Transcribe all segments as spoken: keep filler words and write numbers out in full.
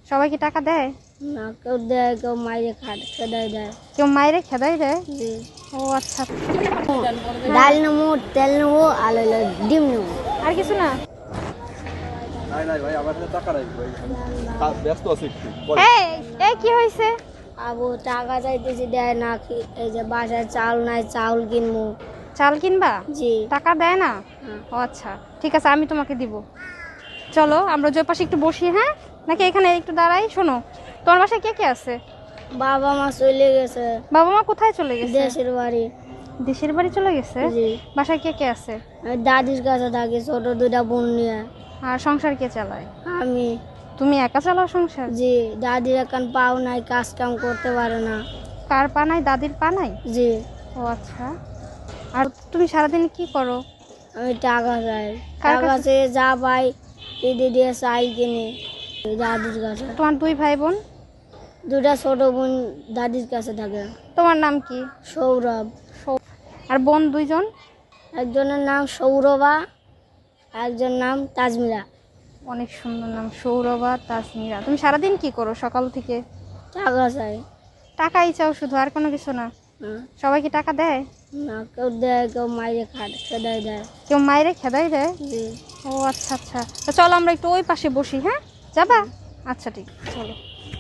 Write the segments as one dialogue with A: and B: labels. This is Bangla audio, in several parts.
A: সবাই কি টাকা দেয়?
B: না, কেউ দেয়, কেউ মাইরে খাট খেদাই দেয়।
A: কেউ মাইরে খেদাই দেয়?
B: জি।
A: ও আচ্ছা।
B: ডাল নেবো, তেল নেবো, আলু ডিম নেবো,
A: আর কিছু না?
C: নাই নাই ভাই, আমার কাছে টাকা নাই ভাই, আমি ব্যস্ত আছি একটু।
A: এই এই কি হয়েছে?
B: আবু টাকা চাইতেছি, দেয় না। কি- এই যে বাসায় চাল নাই, চাউল কিনবো।
A: চাল কিনবা?
B: জি।
A: টাকা দেয় না?
B: হ্যাঁ।
A: ও আচ্ছা, ঠিক আছে, আমি তোমাকে দিব। চলো আমরা যে পাশে একটু বসি, হ্যাঁ? নাকি এখানে একটু দাঁড়াই? শোনো, তোমার বাসায় কে কে আছে?
B: বাবা মা চলে গেছে
A: বাবা মা কোথায় চলে গেছে?
B: দেশের বাড়ি।
A: দেশের বাড়ি চলে গেছে?
B: জি।
A: বাসায় কে কে আছে?
B: আমি দাদির কাছে থাকি, ছোট দুটা বোন নিয়ে।
A: আর সংসার কে চালায়?
B: আমি।
A: তুমি একা চালাও সংসার?
B: জি। দাদির এখন পাও নাই, কাজ কাম করতে পারে না।
A: কার পা নাই? দাদির পা নাই?
B: জি।
A: ও আচ্ছা। আর তুমি সারাদিন কি করো?
B: আমি টাকা চাই,
A: কার
B: টাকা
A: কাছে?
B: চেয়ে যা পাই দিদি দিয়ে চাল কিনি দাদির কাছে।
A: তোমার দুই ভাই বোন?
B: দুটা ছোট বোন দাদির কাছে থাকে।
A: তোমার নাম কি?
B: সৌরভ।
A: সৌ- আর বোন দুইজন?
B: একজনের নাম সৌরভা, একজন নাম তাজমিরা।
A: অনেক সুন্দর নাম, সৌরভা, তাসমিরা। তুমি সারাদিন কি করো সকাল থেকে?
B: টাকা চাই।
A: টাকাই চাও শুধু, আর কোনো কিছু না?
B: হ্যাঁ।
A: সবাই কি টাকা দেয়?
B: না, কেউ দেয়, কেউ মাইরে খাট খেদাই দেয়।
A: কেউ মাইরে খেদাই দেয়?
B: জি।
A: ও আচ্ছা আচ্ছা, তো চলো আমরা একটু ওই পাশে বসি, হ্যাঁ? যাবা? আচ্ছা ঠিক আছে, চলো।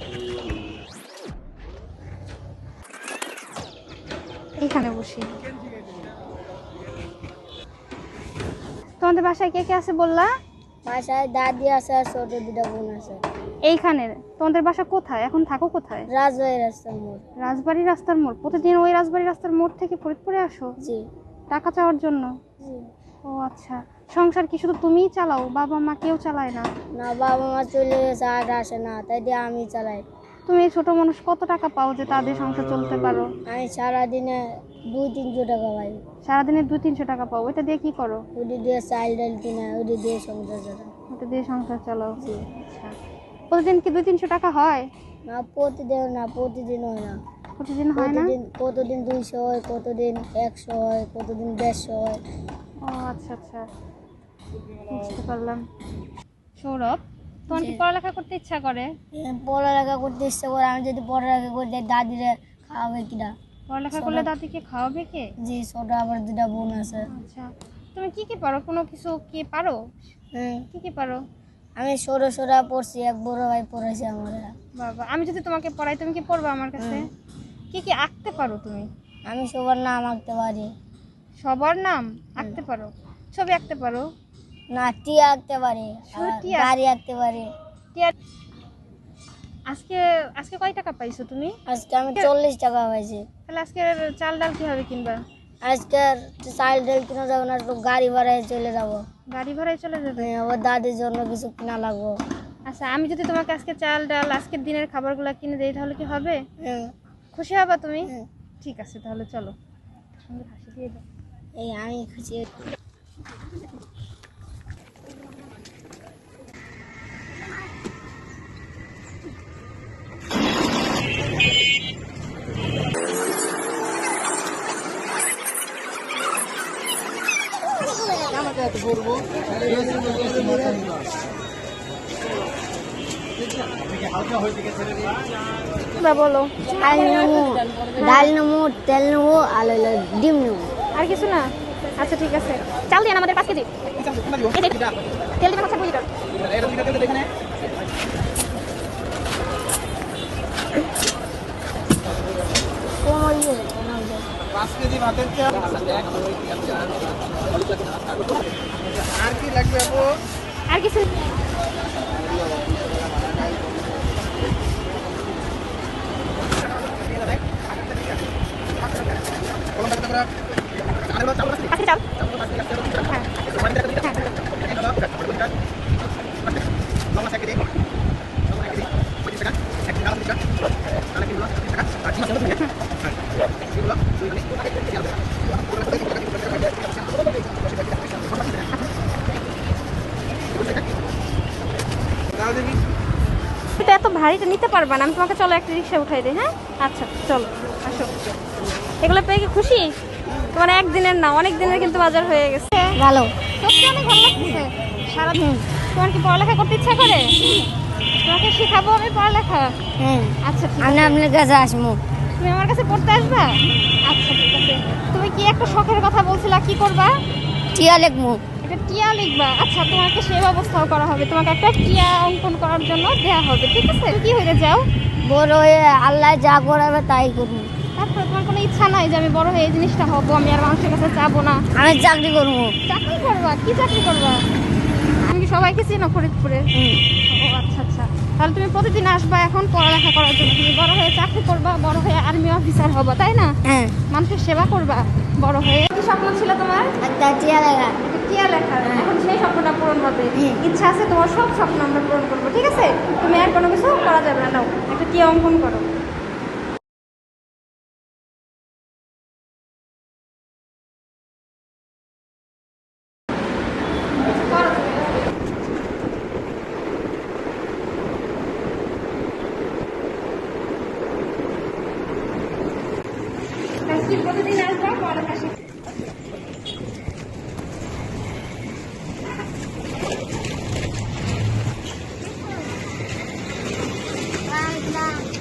A: এইখানে বসি। তোমাদের বাসায় কে কে আছে বললা?
B: বাসায় দাদি আছে আর ছোট দুটা বোন আছে।
A: এইখানে? তোমাদের বাসা কোথায়? এখন থাকো কোথায়?
B: রাজবাড়ি রাস্তার মোড়।
A: রাজবাড়ি রাস্তার মোড়? প্রতিদিন ওই রাজবাড়ি রাস্তার মোড় থেকে ফরিদপুরে আসো
B: জি।
A: টাকা চাওয়ার জন্য?
B: জি।
A: ও আচ্ছা। সংসার কি শুধু তুমিই চালাও? বাবা মা কেউ চালায় না?
B: না, বাবা মা চলে গেছে, আর আসে না, তাই দিয়ে আমি চালাই।
A: তুমি এই ছোট মানুষ কত টাকা পাও যে তাদের সংসার চলতে পারো?
B: আমি সারাদিনে দুই তিনশো টাকা পাই।
A: সারাদিনে দুই তিনশো টাকা পাও, ওইটা দিয়ে কি করো?
B: ওটি দিয়ে চাল ডাল কিনে, ওটি দিয়ে সংসার চালাই।
A: ওটা দিয়ে সংসার চালাও?
B: জি।
A: আচ্ছা। প্রতিদিন কি দুই তিনশো টাকা হয়?
B: না, প্রতিদিন না, প্রতিদিন হয় না।
A: প্রতিদিন হয় না?
B: প্রতিদিন কতদিন দুইশো হয়, কতদিন একশো হয়, কতদিন দেড়শো হয়।
A: ও আচ্ছা আচ্ছা, বুঝতে পারলাম। সৌরভ, তোমার কি
B: জি।
A: পড়ালেখা করতে ইচ্ছা করে?
B: এখন পড়ালেখা করতে ইচ্ছে করে, আমি যদি পড়ালেখা করতে দাদিরে খাওয়াবে কিনা।
A: পড়ালেখা করলে দাদিকে খাওয়াবে কে?
B: জি, ছোট আবার দুটা বোন আছে।
A: আচ্ছা, তুমি কি কি পারো? কোনো কিছু কি পারো?
B: হুম।
A: কি কি পারো?
B: আমি সরো সরা পড়ছি, এক বড় ভাই পড়েছে আমার।
A: বাবা, আমি যদি তোমাকে পড়াই তুমি কি পড়বা আমার কাছে? কি কি আঁকতে পারো তুমি?
B: আমি সবার নাম আঁকতে পারি।
A: সবার নাম আঁকতে পারো? ছবি আঁকতে পারো?
B: না, টিয়া আঁকতে পারি,
A: শুধু
B: আবার
A: টিয়া?
B: গাড়ি আঁকতে পারি।
A: টিয়া- আজকে আজকে কয় টাকা পাইছো তুমি?
B: আজকে আমি চল্লিশ টাকা পাইছি।
A: তাহলে আজকে চাল ডাল কিভাবে কিনবা?
B: আজকে চাল ডাল কিনা যাবো না, একটু গাড়ি ভাড়ায় চলে যাবো।
A: গাড়ি ভাড়ায় চলে যাবে?
B: হ্যাঁ, আবার দাদির জন্য কিছু কিনা লাগবো।
A: আচ্ছা, আমি যদি তোমাকে আজকে চাল ডাল আজকের দিনের খাবারগুলো কিনে দেই তাহলে কি হবে?
B: হ্যাঁ।
A: খুশি হবা তুমি?
B: হ্যাঁ।
A: ঠিক আছে, তাহলে চলো। সুন্দর হাসি দিয়ে দাও।
B: এই আমি খুশি।
A: বা বলো।
B: চাল নেবো, ডাল নেবো, তেল নেবো, আলু ডিম নেবো।
A: আর কিছু না? আচ্ছা ঠিক আছে, চাল দিন আমাদের পাঁচ কেজি। এই যে, তেল দিবেন হচ্ছে দুই লিটার।
B: কোমর ইয়ে কোমর ইয়ে।
C: পাঁচ কেজি ভাতের চাল আর কি লাগবে আপু?
A: আর কিছু? আজকে চাল? হ্যাঁ। এটা এত ভারীটা নিতে পারবা না, আমি তোমাকে চলো একটা রিক্সা উঠাই দিই, হ্যাঁ? আচ্ছা চলো, আসো। এগুলো পেয়ে কি খুশি? তোমার একদিনের না, অনেক দিনের কিন্তু বাজার হয়ে গেছে।
B: ভালো।
A: সত্যি অনেক ভালো লাগছে। সারাদিন তোমার কি পড়ালেখা করতে ইচ্ছা করে? তোমাকে শেখাবো আমি পড়ালেখা।
B: হ্যাঁ
A: আচ্ছা ঠিক
B: আমি
A: আছে।
B: আপনার কাছে আসবো।
A: তুমি আমার কাছে পড়তে আসবা? আচ্ছা ঠিক আছে। তুমি কি একটা শখের কথা বলছিলা, কি করবা?
B: টিয়া লিখবো।
A: এটা টিয়া লিখবা? আচ্ছা, তোমাকে সেই ব্যবস্থাও করা হবে, তোমাকে একটা টিয়া অঙ্কন করার জন্য দেয়া হবে, ঠিক আছে? তুমি কি হইতে চাও?
B: বড় হয়ে আল্লাহ যা করাবে তাই করবো।
A: তারপরে তোমার কোনো ইচ্ছা নাই যে আমি বড় হয়ে এই জিনিসটা হবো, আমি আর মানুষের কাছে চাবো না?
B: আমি চাকরি করবো।
A: চাকরি করবা? কি চাকরি করবা? আমি কি সবাইকে চিনো ফরিদপুরে?
B: হুম।
A: ও আচ্ছা আচ্ছা, তাহলে তুমি প্রতিদিন আসবা এখন পড়ালেখা করার জন্য। তুমি বড় হয়ে চাকরি করবা, বড় হয়ে আর্মি অফিসার হবা, তাই না?
B: হ্যাঁ।
A: মানুষের সেবা করবা বড় হয়ে। কি স্বপ্ন ছিল তোমার?
B: একটা টিয়া লেখা।
A: টিয়া লেখা। এখন সেই স্বপ্নটা পূরণ হবে।
B: হুম।
A: ইচ্ছা আছে তোমার, সব স্বপ্ন আমরা পূরণ করবো, ঠিক আছে? তুমি আর কোনো কিছু করা যাবে না। নাও একটা টিয়া অঙ্কন করো। করো তুমি। আজকে প্রতিদিন আসবা পড়ালেখা শিখতে।
B: Bye.